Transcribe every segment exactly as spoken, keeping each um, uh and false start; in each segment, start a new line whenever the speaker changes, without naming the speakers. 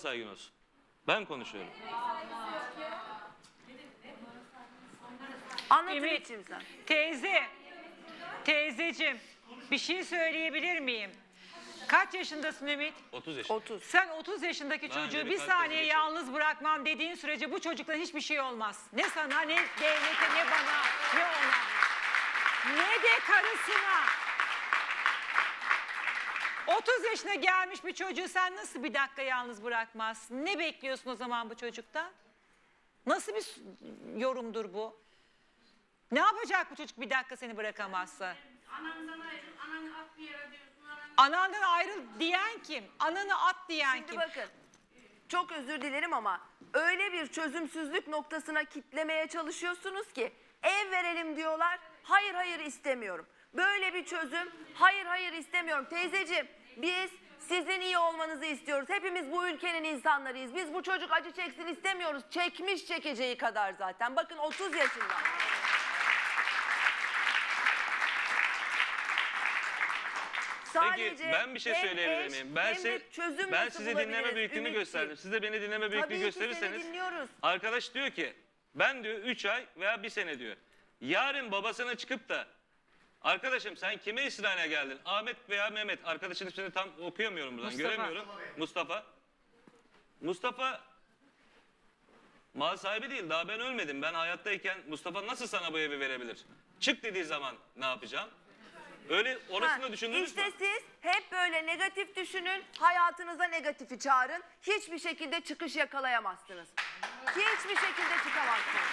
saygın olsun. Ben konuşuyorum.
Anlat
Ümit,
Ümit'ciğim sen.
teyze, teyzeciğim bir şey söyleyebilir miyim? Kaç yaşındasın Ümit?
otuz yaşında.
otuz.
Sen otuz yaşındaki
Daha
çocuğu
önce
bir
birkaç
saniye
kez
yalnız bırakmam dediğin sürece bu çocuktan hiçbir şey olmaz. Ne sana, ne devlete, ne bana, ne ona. Ne de karısına. otuz yaşına gelmiş bir çocuğu sen nasıl bir dakika yalnız bırakmazsın? Ne bekliyorsun o zaman bu çocuktan? Nasıl bir yorumdur bu? Ne yapacak bu çocuk bir dakika seni bırakamazsa?
Anandan ayrıl, ananı at bir yere diyorsun. Ananı...
Anandan ayrıl diyen kim? Ananı at diyen
Şimdi
kim?
bakın, çok özür dilerim ama öyle bir çözümsüzlük noktasına kitlemeye çalışıyorsunuz ki ev verelim diyorlar. Hayır hayır istemiyorum. Böyle bir çözüm hayır hayır istemiyorum. Teyzeciğim biz sizin iyi olmanızı istiyoruz. Hepimiz bu ülkenin insanlarıyız. Biz bu çocuk acı çeksin istemiyoruz. Çekmiş çekeceği kadar zaten. Bakın otuz yaşında.
Peki ben bir şey
hem
söyleyebilir
eş,
miyim? Ben,
hem
size,
de çözüm
ben
nasıl
size dinleme
bulabiliriz
büyüklüğünü
Ümitciğim?
gösterdim. Siz de beni dinleme büyüklüğü
Tabii ki
gösterirseniz.
seni dinliyoruz.
Arkadaş diyor ki ben diyor üç ay veya bir sene diyor. Yarın babasına çıkıp da arkadaşım sen kime İsrail'e geldin? Ahmet veya Mehmet. Arkadaşın ismini tam okuyamıyorum buradan.
Mustafa.
Göremiyorum. Mustafa. Mustafa mal sahibi değil. Daha ben ölmedim. Ben hayattayken Mustafa nasıl sana bu evi verebilir? Çık dediği zaman ne yapacağım? Öyle orasını
Ha,
düşündünüz
İşte
mü?
siz hep böyle negatif düşünün, hayatınıza negatifi çağırın. Hiçbir şekilde çıkış yakalayamazsınız. Hiçbir şekilde çıkamazsınız.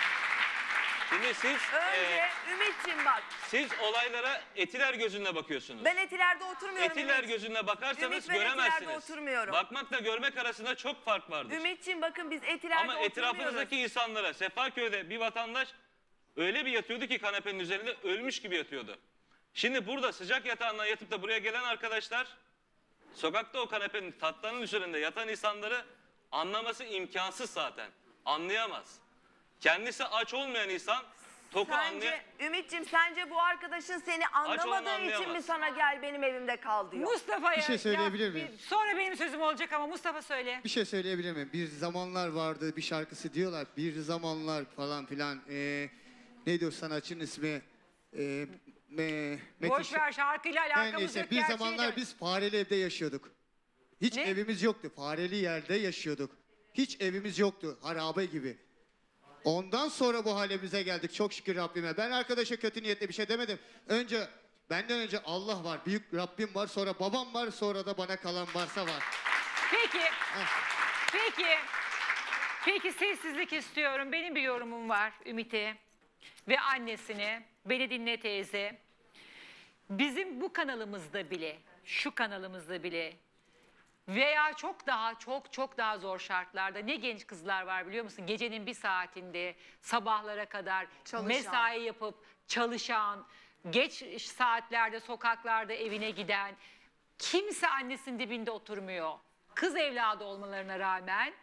Şimdi siz
Önce
e,
Ümit'ciğim bak.
siz olaylara etiler gözünle bakıyorsunuz.
Ben etilerde oturmuyorum
Etiler
Ümit.
gözünle bakarsanız
Ümit, ben etilerde
göremezsiniz.
oturmuyorum.
Bakmakla görmek arasında çok fark vardır.
Ümit'ciğim bakın biz etilerde
Ama
oturmuyoruz.
etrafınızdaki insanlara, Sefaköy'de bir vatandaş öyle bir yatıyordu ki kanepenin üzerinde ölmüş gibi yatıyordu. Şimdi burada sıcak yatağından yatıp da buraya gelen arkadaşlar sokakta o kanepenin tatlarının üzerinde yatan insanları anlaması imkansız zaten. Anlayamaz. Kendisi aç olmayan insan toku anlay
Sence Ümit'ciğim sence bu arkadaşın seni anlamadığı için mi
anlayamaz.
sana gel benim evimde kal diyor?
Mustafa'ya...
Bir şey söyleyebilir
ya,
miyim?
bir- Sonra benim sözüm olacak ama Mustafa söyle.
Bir şey söyleyebilir miyim? Bir zamanlar vardı bir şarkısı diyorlar. Bir zamanlar falan filan. Ee, neydi o sanatçının ismi? Ee, me, Metin
Boş
Şe-
ver şarkıyla
Her
alakamız
neyse
yok.
bir
gerçeği
zamanlar
de-
biz fareli evde yaşıyorduk. Hiç
Ne?
evimiz yoktu. Fareli yerde yaşıyorduk. Hiç evimiz yoktu. Harabe gibi. Ondan sonra bu halimize geldik. Çok şükür Rabbime. Ben arkadaşa kötü niyetle bir şey demedim. Önce benden önce Allah var. Büyük Rabbim var. Sonra babam var. Sonra da bana kalan varsa var.
Peki, peki, peki sessizlik istiyorum. Benim bir yorumum var Ümit'e ve annesine. Beni dinle teyze. Bizim bu kanalımızda bile, şu kanalımızda bile veya çok daha çok çok daha zor şartlarda ne genç kızlar var biliyor musun? Gecenin bir saatinde sabahlara kadar
Çalışan.
mesai yapıp çalışan, geç saatlerde sokaklarda evine giden, kimse annesinin dibinde oturmuyor. Kız evladı olmalarına rağmen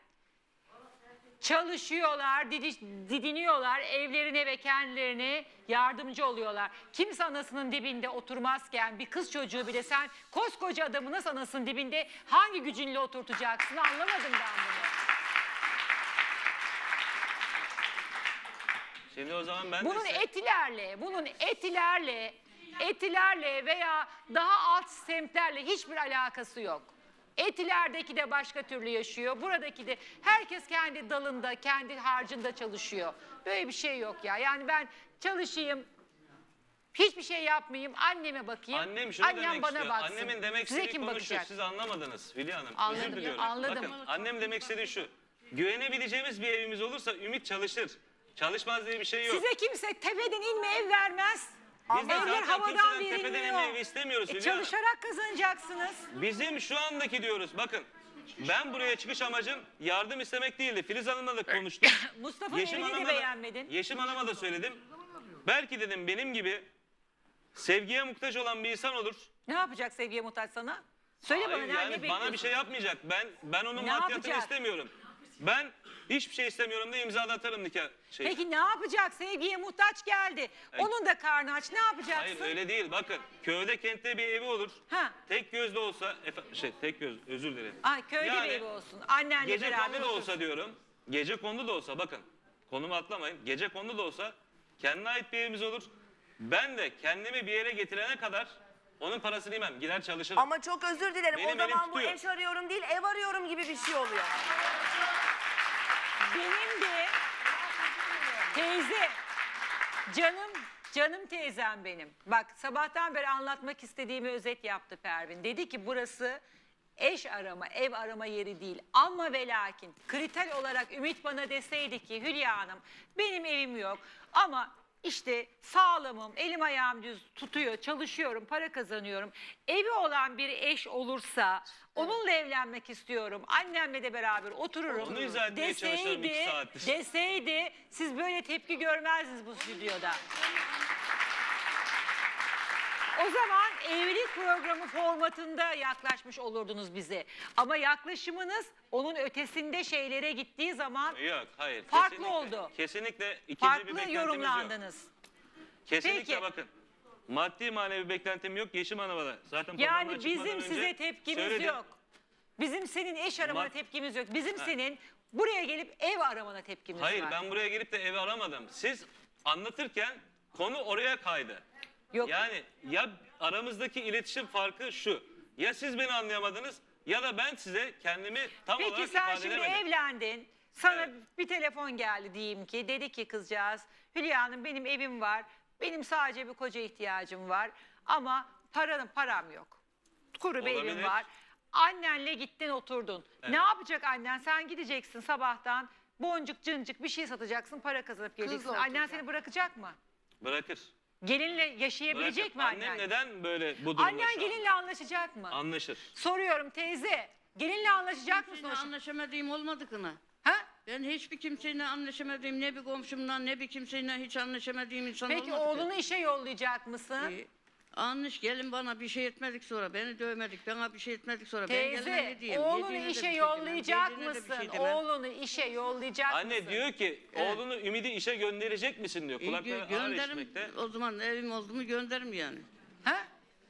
çalışıyorlar, didiş, didiniyorlar, evlerine ve kendilerine yardımcı oluyorlar. Kimse anasının dibinde oturmazken bir kız çocuğu bile sen koskoca adamı nasıl anasının dibinde hangi gücünle oturtacaksın anlamadım ben bunu.
Şimdi o zaman ben
Bunun
de size-
etilerle, bunun etilerle, etilerle veya daha alt semtlerle hiçbir alakası yok. Etilerdeki de başka türlü yaşıyor. Buradaki de herkes kendi dalında, kendi harcında çalışıyor. Böyle bir şey yok ya. Yani ben çalışayım, hiçbir şey yapmayayım, anneme bakayım.
Annem şunu
Annem
demek
bana
istiyor.
baksın.
Annemin demek
Size
istediği
kim
konu şu.
bakacak?
Siz anlamadınız Hülya Hanım.
Anladım,
Özür diliyorum.
anladım.
Bakın annem demek istediği şu. Güvenebileceğimiz bir evimiz olursa Ümit çalışır. Çalışmaz diye bir şey yok.
Size kimse tepeden inme ev vermez.
Biz de
Evler
zaten
havadan
kimseden tepeden
verilmiyor.
inme evi istemiyoruz
E,
Hülya Hanım.
çalışarak kazanacaksınız.
Bizim şu andaki diyoruz bakın. Ben buraya çıkış amacım yardım istemek değildi. Filiz Hanım'la da konuştum.
Mustafa'nın
Yeşim
evini de
Hanım'a da,
beğenmedin.
Yeşim Hanım'a da söyledim. Belki dedim benim gibi sevgiye muhtaç olan bir insan olur.
Ne yapacak sevgiye muhtaç sana? Söyle
Hayır,
bana ne,
yani
ne
bana
bekliyorsun?
bir şey yapmayacak. Ben ben onun
Ne
maddiyatını
yapacak?
istemiyorum. Ben Hiçbir şey istemiyorum da imza da atarım nikah şey.
Peki ne yapacak? Sevgiye muhtaç geldi. Onun da karnı aç. Ne yapacaksın?
Hayır öyle değil. Bakın köyde kentte bir evi olur.
Ha.
Tek gözlü olsa efe- şey tek göz özür dilerim.
Ay köyde
Yani
bir evi olsun. Annenle
Gece
beraber
kondu da
otursun.
olsa diyorum. Gece kondu da olsa bakın. Konumu atlamayın. Gece kondu da olsa kendine ait bir evimiz olur. Ben de kendimi bir yere getirene kadar onun parasını yemem. Gider çalışırım.
Ama çok özür dilerim.
Benim
o
elim
zaman bu
tutuyor.
eş arıyorum değil, ev arıyorum gibi bir şey oluyor.
Benim de teyze, canım canım teyzem benim. Bak sabahtan beri anlatmak istediğimi özet yaptı Pervin. Dedi ki burası eş arama, ev arama yeri değil. Ama ve lakin kriter olarak Ümit bana deseydi ki Hülya Hanım benim evim yok ama işte sağlamım, elim ayağım düz tutuyor, çalışıyorum, para kazanıyorum. Evi olan bir eş olursa onunla evlenmek istiyorum. Annemle de beraber otururum.
Onu izah etmeye çalışıyorum iki saattir.
deseydi siz böyle tepki görmezdiniz bu stüdyoda. O zaman evlilik programı formatında yaklaşmış olurdunuz bize. Ama yaklaşımınız onun ötesinde şeylere gittiği zaman
Yok hayır.
Farklı
kesinlikle,
oldu.
Kesinlikle ikinci bir
farklı
beklentimiz yok.
yorumlandınız.
Kesinlikle
Peki.
bakın. Maddi manevi beklentim yok. Yeşim Hanım'a da. Zaten
Yani
programdan çıkmadan
bizim
önce
size tepkimiz
söyledim.
yok. Bizim senin eş aramana
Ma-
tepkimiz yok. Bizim
Ha.
senin buraya gelip ev aramana tepkimiz
Hayır
var.
ben buraya gelip de evi aramadım. Siz anlatırken konu oraya kaydı.
Yok.
Yani ya aramızdaki iletişim farkı şu. Ya siz beni anlayamadınız ya da ben size kendimi tam
Peki
olarak
sen
ifade
şimdi
edemedim.
evlendin. Sana
Evet.
bir telefon geldi diyeyim ki. Dedi ki kızcağız Hülya Hanım benim evim var. Benim sadece bir koca ihtiyacım var. Ama paranın param yok. Kuru bir evim
Olabilir.
var. Annenle gittin oturdun.
Evet.
Ne yapacak annen? Sen gideceksin sabahtan boncuk cıncık bir şey satacaksın para kazanıp geleceksin. Annen
oturacak.
seni bırakacak mı?
Bırakır.
Gelinle yaşayabilecek
Bırakır.
mi annen?
Annem neden böyle bu durumda
Annen
şu an?
gelinle anlaşacak mı?
Anlaşır.
Soruyorum teyze. Gelinle anlaşacak mısın?
Kimseyle
o-
anlaşamadığım olmadı kına.
Ha?
Ben hiçbir kimseyle anlaşamadığım, ne bir komşumdan ne bir kimseyle hiç anlaşamadığım insan
Peki
olmadı.
oğlunu işe yollayacak mısın?
Ee, Anmış gelin bana bir şey etmedik sonra, beni dövmedik, bana bir şey etmedik sonra. ben geline
Teyze
ne diyeyim?
oğlunu
Yediğine de bir
işe
şey demem,
yollayacak
yediğine de bir
mısın?
şey demem.
Oğlunu işe yollayacak
Anne
mısın?
diyor ki
Evet.
oğlunu Ümidi işe gönderecek misin diyor.
İyi,
Kulakları
gö-
ağır
gönderirim,
işitmekte.
o zaman evim oldu mu gönderirim yani.
Ha?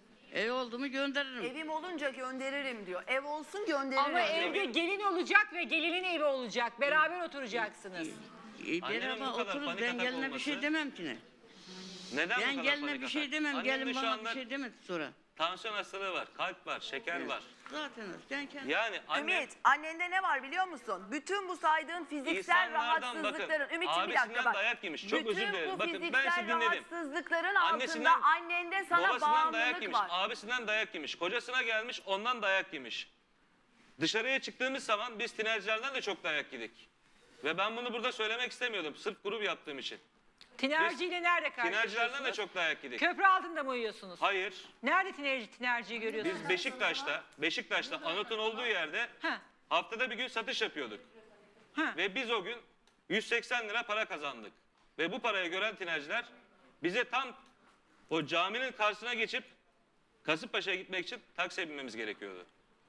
Ev oldu mu gönderirim.
Evim olunca gönderirim diyor. Ev olsun gönderirim
Ama
diyor.
evde gelin olacak ve gelinin evi olacak. Beraber oturacaksınız.
Ee,
Annemin
Beraber
bu kadar
otururuz,
panik
ben
atak
geline bir
olması-
şey demem ki ne.
Neden bu
Ben
kadar
geline
panik
bir şey
atak?
demem,
Annemde
gelin
şu
bana
anda
bir şey demedi sonra.
tansiyon hastalığı var, kalp var, şeker var.
Zaten ben kendim.
Yani anne
Ümit, annende ne var biliyor musun? Bütün bu saydığın fiziksel
İnsanlardan
rahatsızlıkların.
bakın,
Ümit'ciğim bir dakika
abisinden
bak.
dayak yemiş. Çok
Bütün
özür dilerim.
bu
Bakın, ben
fiziksel
sizi dinledim.
rahatsızlıkların
Annesinden,
altında annende sana
babasından dayak
bağımlılık
yemiş,
var.
abisinden dayak yemiş, kocasına gelmiş, ondan dayak yemiş. Dışarıya çıktığımız zaman biz tinercilerden de çok dayak yedik. Ve ben bunu burada söylemek istemiyordum, sırf grup yaptığım için.
Tinerciyle nerede
Tinercilerden de
karşılaşıyorsunuz?
çok dayak yedik.
Köprü altında mı uyuyorsunuz?
Hayır,
Nerede tinerci, tinerciyi görüyorsunuz?
biz Beşiktaş'ta, Beşiktaş'ta Anıt'ın olduğu yerde
Ha.
haftada bir gün satış yapıyorduk.
Ha.
Ve biz o gün yüz seksen lira para kazandık. Ve bu parayı gören tinerciler bize tam o caminin karşısına geçip Kasımpaşa'ya gitmek için taksiye binmemiz gerekiyordu.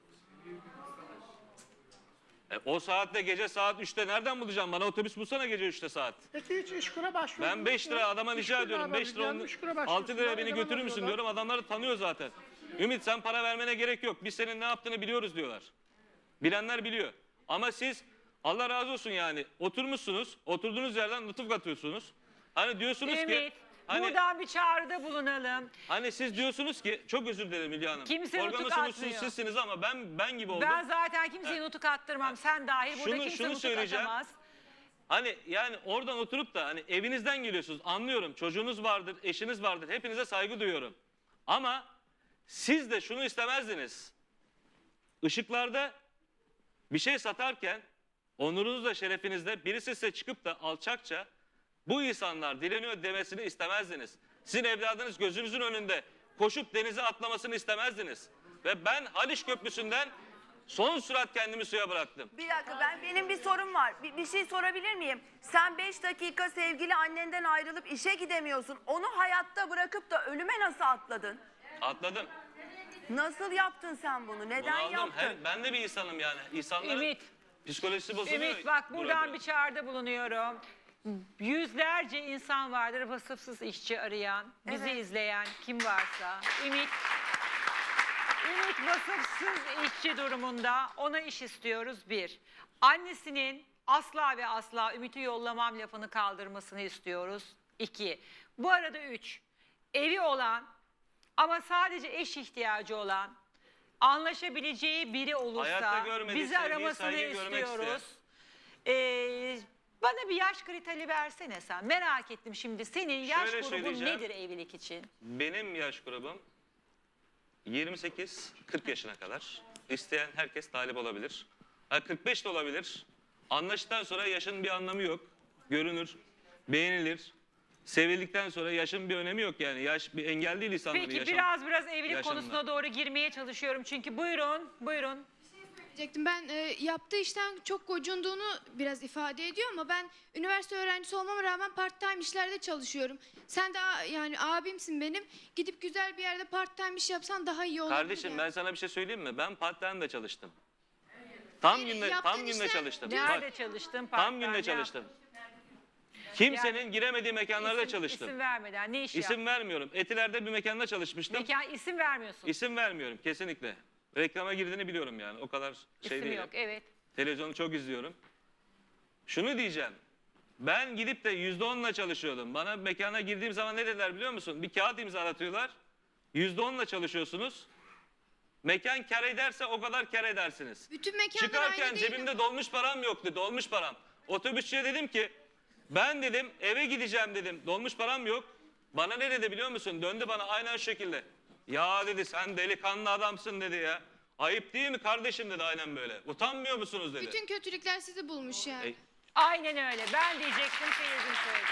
E, o saatte gece saat üçte nereden bulacağım? Bana otobüs bulsana gece üçte saat.
Peki hiç işkura başvurdunuz
Ben beş lira adama rica
İşkur
ediyorum.
beraber
beş lira,
geldi, işkura
onu,
başvursun.
altı lira
Bana
beni
yalan
götürür müsün
atıyorlar.
diyorum. Adamları tanıyor zaten. Ümit sen para vermene gerek yok. Biz senin ne yaptığını biliyoruz diyorlar. Bilenler biliyor. Ama siz Allah razı olsun yani oturmuşsunuz. Oturduğunuz yerden lütuf katıyorsunuz. Hani diyorsunuz ki
Ümit,
hani,
buradan bir çağrıda bulunalım.
hani siz diyorsunuz ki çok özür dilerim Hülya Hanım.
Kimse
Programın
nutuk
sunucusu
atmıyor.
sizsiniz ama ben ben gibi oldum.
Ben zaten kimseye nutuk attırmam. Sen dahil burada
Şunu-
kimse
şunu
nutuk
söyleyeceğim.
atamaz.
Hani yani oradan oturup da hani evinizden geliyorsunuz anlıyorum çocuğunuz vardır eşiniz vardır hepinize saygı duyuyorum. Ama siz de şunu istemezdiniz. Işıklarda bir şey satarken onurunuzla şerefinizle birisi size çıkıp da alçakça bu insanlar dileniyor demesini istemezdiniz. Sizin evladınız gözünüzün önünde koşup denize atlamasını istemezdiniz. Ve ben Haliç Köprüsü'nden son sürat kendimi suya bıraktım.
Bir dakika ben benim bir sorum var. Bir, bir şey sorabilir miyim? Sen beş dakika sevgili annenden ayrılıp işe gidemiyorsun. Onu hayatta bırakıp da ölüme nasıl atladın?
Atladım.
Nasıl yaptın sen bunu? Neden
Bunu aldım.
yaptın?
Hem, ben de bir insanım yani. İnsanların...
Ümit,
Psikolojisi bozuluyor.
Ümit bak buradan
burada.
bir çağrıda bulunuyorum. Yüzlerce insan vardır vasıfsız işçi arayan, bizi
Evet.
izleyen kim varsa. Ümit, Ümit vasıfsız işçi durumunda, ona iş istiyoruz bir. Annesinin asla ve asla Ümit'i yollamam lafını kaldırmasını istiyoruz. İki. Bu arada üç. Evi olan ama sadece eş ihtiyacı olan, anlaşabileceği biri
Hayatta
olursa
görmediği
bizi
sevgiyi,
aramasını
saygıyı görmek
istiyoruz. Ee, bana bir yaş kriteri versene sen. Merak ettim şimdi. Senin yaş
Şöyle
grubun
söyleyeceğim.
nedir evlilik için?
Benim yaş grubum yirmi sekiz kırk yaşına kadar. İsteyen herkes talip olabilir. Ha, kırk beş de olabilir. Anlaştıktan sonra yaşın bir anlamı yok. Görünür, beğenilir. Sevildikten sonra yaşın bir önemi yok yani. Yaş bir engel değil insanların
Peki
yaşam.
biraz biraz evlilik
yaşamına.
konusuna doğru girmeye çalışıyorum. Çünkü buyurun, buyurun.
Diyecektim. Ben e, yaptığı işten çok gocunduğunu biraz ifade ediyor ama ben üniversite öğrencisi olmama rağmen part time işlerde çalışıyorum. Sen de a- yani abimsin benim. Gidip güzel bir yerde part time iş yapsan daha iyi olabilir.
Kardeşim
yani.
ben sana bir şey söyleyeyim mi? Ben part-time de çalıştım. Tam
Hayır,
günde
yaptığın
tam günde
işler-
çalıştım.
Nerede
Bak,
çalıştın?
tam
Part-time
günde
ne
çalıştım.
yaptın?
Kimsenin giremediği mekanlarda
İsim-
çalıştım.
İsim vermeden ne iş
İsim
yaptın?
vermiyorum. Etiler'de bir mekanda çalışmıştım.
Mekan isim vermiyorsun.
İsim vermiyorum kesinlikle. Reklama girdiğini biliyorum yani. O kadar şey
İsim
değil.
yok, evet.
Televizyonu çok izliyorum. Şunu diyeceğim. Ben gidip de yüzde onla çalışıyordum. Bana mekana girdiğim zaman ne dediler biliyor musun? Bir kağıt imzalatıyorlar. Yüzde onla çalışıyorsunuz. Mekan kar ederse o kadar kar edersiniz.
Bütün mekanlar
Çıkarken
aynı değil
cebimde
ama.
dolmuş param yoktu. Dolmuş param. Otobüsçüye dedim ki ben dedim eve gideceğim dedim. Dolmuş param yok. Bana ne dedi biliyor musun? Döndü bana aynen şu şekilde. Ya dedi sen delikanlı adamsın dedi ya. Ayıp değil mi kardeşim dedi aynen böyle. Utanmıyor musunuz dedi.
Bütün kötülükler sizi bulmuş yani.
E,
Aynen öyle. Ben diyecektim, Seyircim söyledi.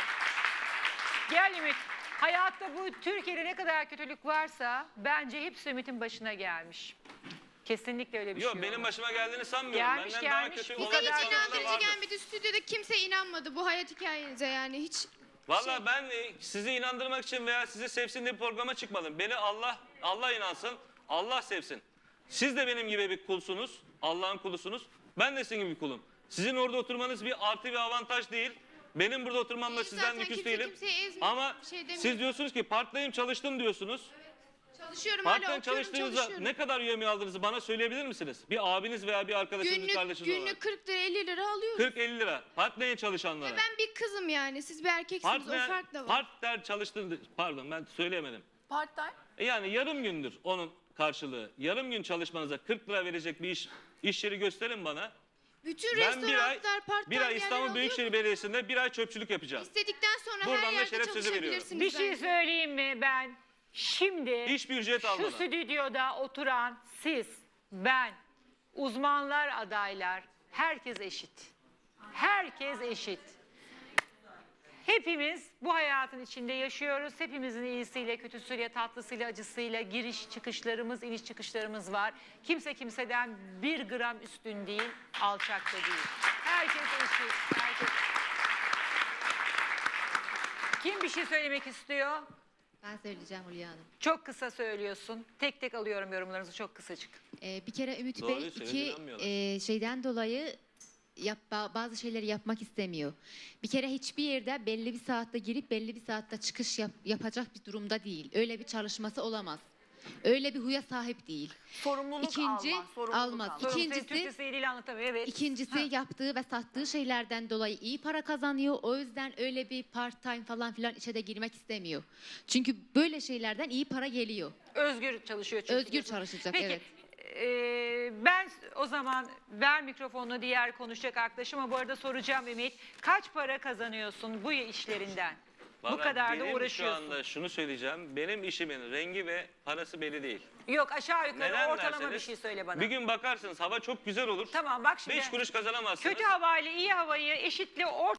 Gel Ümit. Hayatta bu Türkiye'de ne kadar kötülük varsa bence hepsi Ümit'in başına gelmiş. Kesinlikle öyle bir
Yok
şey
benim
olmaz.
başıma geldiğini sanmıyorum.
Gelmiş,
Benden
gelmiş.
daha kötü
Bize
Bize
olan
hiç
kadar
insanlar
inandırıcı
vardır.
gelmedi. Stüdyoda kimse inanmadı bu hayat hikayenize yani hiç.
Valla ben e, sizi inandırmak için veya sizi sevsin diye bir programa çıkmadım. Beni Allah Allah inansın, Allah sevsin. Siz de benim gibi bir kulsunuz, Allah'ın kulusunuz. Ben de sizin gibi bir kulum. Sizin orada oturmanız bir artı bir avantaj değil. Benim burada oturmamla
Değil
sizden
zaten,
lüküs
kimse
değilim.
kimseye ezmiyor,
Ama
bir şey demiyor.
siz diyorsunuz ki part-time çalıştım diyorsunuz.
Çalışıyorum hala
Part-time
okuyorum
çalıştığınızda
çalışıyorum.
ne kadar üyemi aldığınızı bana söyleyebilir misiniz? Bir abiniz veya bir arkadaşınız, bir
Günlük,
kardeşiniz olarak.
günlük kırk lira elli lira alıyorum.
kırk elli lira. Part-time çalışanlara.
Ve ben bir kızım yani siz bir erkeksiniz
Partner,
o fark da var.
partner çalıştığında, pardon ben söyleyemedim.
Part time.
E yani yarım gündür onun karşılığı. Yarım gün çalışmanıza kırk lira verecek bir iş iş yeri gösterin bana.
Bütün
Ben bir ay,
restoranlar part
bir
time
ay
yerler
İstanbul
alıyor.
Büyükşehir Belediyesi'nde bir ay çöpçülük yapacağım.
İstedikten sonra
Buradan
her
da
yerde
şeref sözü veriyorum.
çalışabilirsiniz.
Bir şey
bence.
söyleyeyim mi ben? Şimdi
Hiçbir ücret
şu
almadan.
stüdyoda oturan siz, ben, uzmanlar, adaylar, herkes eşit. Herkes eşit. Hepimiz bu hayatın içinde yaşıyoruz. Hepimizin iyisiyle, kötüsüyle, tatlısıyla, acısıyla giriş çıkışlarımız, iniş çıkışlarımız var. Kimse kimseden bir gram üstün değil, alçak da değil. Herkes eşit. Herkes... Kim bir şey söylemek istiyor?
Ben söyleyeceğim Hülya Hanım.
Çok kısa söylüyorsun. Tek tek alıyorum yorumlarınızı, çok kısacık.
Ee, bir kere Ümit
Doğruyu
Bey
söyledi,
iki
inanmıyorlar.
e, şeyden dolayı yap, ba- bazı şeyleri yapmak istemiyor. Bir kere hiçbir yerde belli bir saatte girip belli bir saatte çıkış yap- yapacak bir durumda değil. Öyle bir çalışması olamaz. Öyle bir huya sahip değil.
Sorumluluk
İkinci,
almaz. Sorumluluk
almaz.
almaz.
Sorun
İkincisi-
senin Türkçesi eliyle anlatamıyor. Evet.
İkincisi yaptığı ve sattığı şeylerden dolayı iyi para kazanıyor. O yüzden öyle bir part time falan filan işe de girmek istemiyor. Çünkü böyle şeylerden iyi para geliyor.
Özgür çalışıyor çünkü.
Özgür
diyorsun.
çalışacak,
Peki,
evet.
e, ben o zaman ver mikrofonunu diğer konuşacak arkadaşıma. Bu arada soracağım Ümit. Kaç para kazanıyorsun bu işlerinden? bu
Vallahi
kadar da
benim
uğraşıyorsun.
şu anda şunu söyleyeceğim. Benim işimin rengi ve parası belli değil.
Yok aşağı yukarı
Neden
ortalama bir
derseniz,
şey söyle bana.
Bir gün bakarsınız hava çok güzel olur.
Tamam bak şimdi.
Beş kuruş kazanamazsınız.
Kötü havayla iyi havayı eşitle orta